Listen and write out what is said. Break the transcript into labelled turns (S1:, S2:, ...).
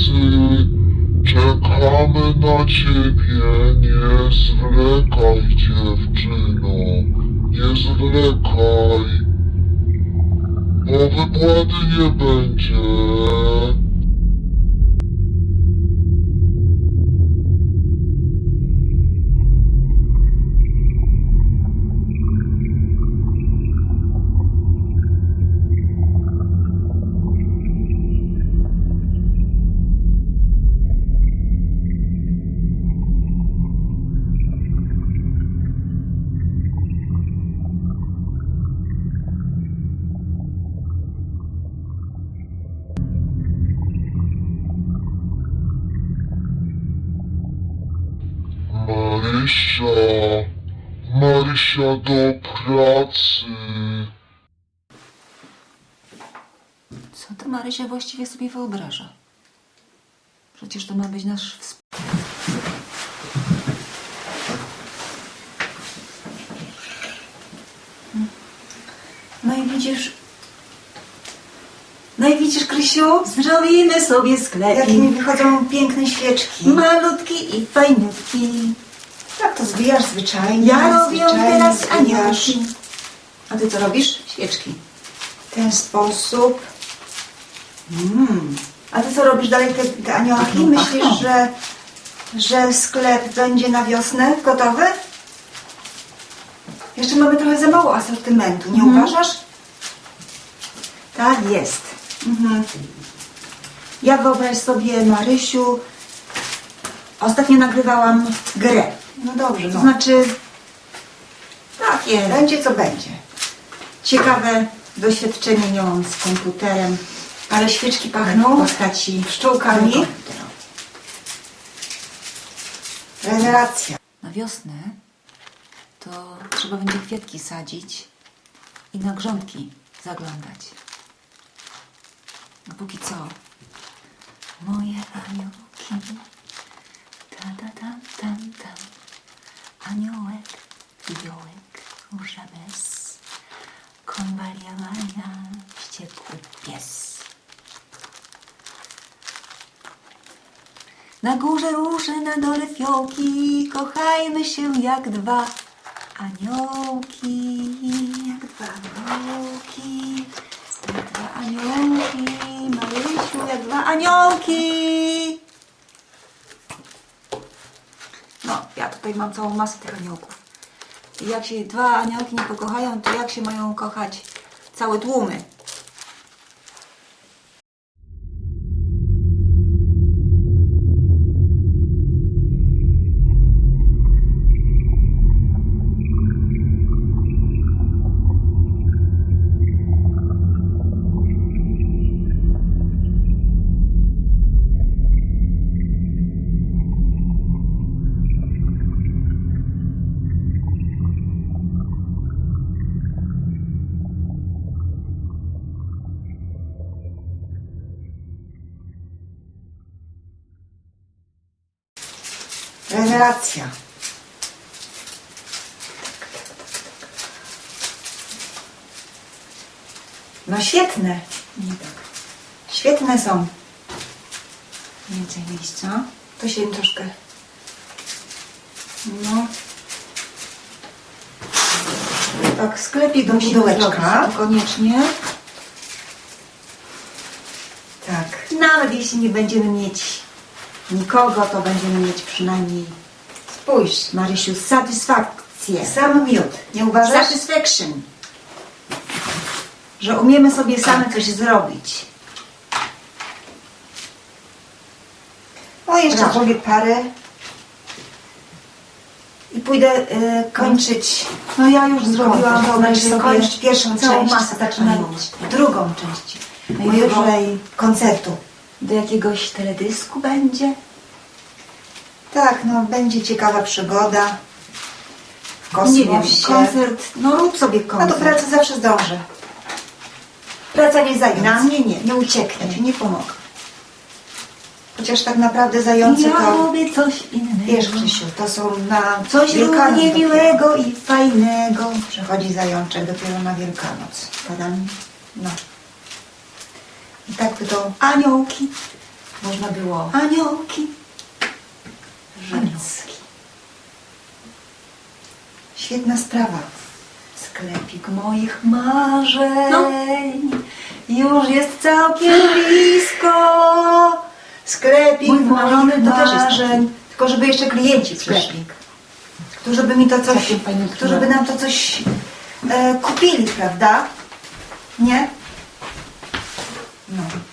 S1: Czekamy na ciebie, nie zwlekaj, dziewczyno, nie zwlekaj, bo wypłaty nie będzie. Marysia, do pracy.
S2: Co ty, Marysia, właściwie sobie wyobraża? Przecież to ma być nasz No i widzisz, Krysiu, zrobimy sobie
S3: Jak
S2: sklepik.
S3: mi wychodzą piękne świeczki.
S2: Malutki i fajniutki.
S3: Tak to zwijasz zwyczajnie.
S2: Ja robię
S3: zwyczajnie
S2: teraz
S3: zwijasz.
S2: aniołki. A ty co robisz? Świeczki.
S3: W ten sposób. A ty co robisz dalej te aniołki?
S2: Pachną,
S3: Myślisz,
S2: pachną.
S3: że sklep będzie na wiosnę gotowy? Jeszcze mamy trochę za mało asortymentu, nie uważasz? Tak jest. Ja wyobraź sobie, Marysiu, ostatnio nagrywałam grę.
S2: No dobrze,
S3: To
S2: no.
S3: znaczy,
S2: Tak jest.
S3: będzie co będzie. Ciekawe doświadczenie miałam z komputerem, ale świeczki pachną
S2: w postaci
S3: pszczółkami. Rewelacja.
S2: Na wiosnę to trzeba będzie kwiatki sadzić i na grządki zaglądać. A póki co, moje aniołki, ta ta tam tam tam, aniołek, fiołek, róża bez, konwalia Maria, wściekły pies. Na górze róże, na dole fiołki, kochajmy się jak dwa aniołki, jak dwa aniołki, jak dwa aniołki, Marysiu, jak dwa aniołki. No, ja tutaj mam całą masę tych aniołków. I jak się dwa aniołki nie pokochają, to jak się mają kochać całe tłumy?
S3: Rewelacja. No świetne.
S2: Nie tak.
S3: Świetne są.
S2: Więcej miejsca.
S3: To się im troszkę... No. Tak, sklepik do pudełeczka.
S2: Koniecznie.
S3: Tak.
S2: Nawet jeśli nie będziemy mieć nikogo, to będziemy mieć przynajmniej,
S3: Spójrz.
S2: Marysiu, satysfakcję.
S3: Sam miód. Nie uważasz?
S2: Satisfaction.
S3: Że umiemy sobie same coś zrobić. O, jeszcze
S2: Brawo.
S3: zrobię parę. I pójdę kończyć.
S2: No ja już zrobiłam,
S3: Wyobraź sobie
S2: kończyć
S3: pierwszą
S2: całą
S3: część,
S2: masę
S3: zaczynając drugą część
S2: Najwyżej
S3: mojego koncertu.
S2: do jakiegoś teledysku będzie.
S3: Tak, no będzie ciekawa przygoda w
S2: Nie wiem,
S3: kosmosie.
S2: koncert, no rób sobie
S3: No
S2: koncert.
S3: do pracy zawsze zdążę. Praca nie zając.
S2: Na mnie nie.
S3: Nie ucieknie.
S2: Ja ci nie pomogę.
S3: Chociaż tak naprawdę zające
S2: Ja
S3: to...
S2: robię coś innego.
S3: Wiesz, Krzysiu, to są na
S2: Coś
S3: Wielkanoc
S2: równie
S3: dopiero.
S2: miłego i fajnego.
S3: Przychodzi zajączek dopiero na Wielkanoc.
S2: Tadam.
S3: No. I tak by to...
S2: Aniołki.
S3: można było
S2: Aniołki.
S3: rzec. Świetna sprawa. Sklepik moich marzeń już jest całkiem blisko. Sklepik
S2: Mój wymarzony
S3: moich
S2: to też jest
S3: marzeń. Tylko żeby jeszcze klienci przyszli.
S2: Sklepik.
S3: Którzy by mi to coś,
S2: Takim fajnym
S3: którzy by nam to coś kupili, prawda? Nie? No.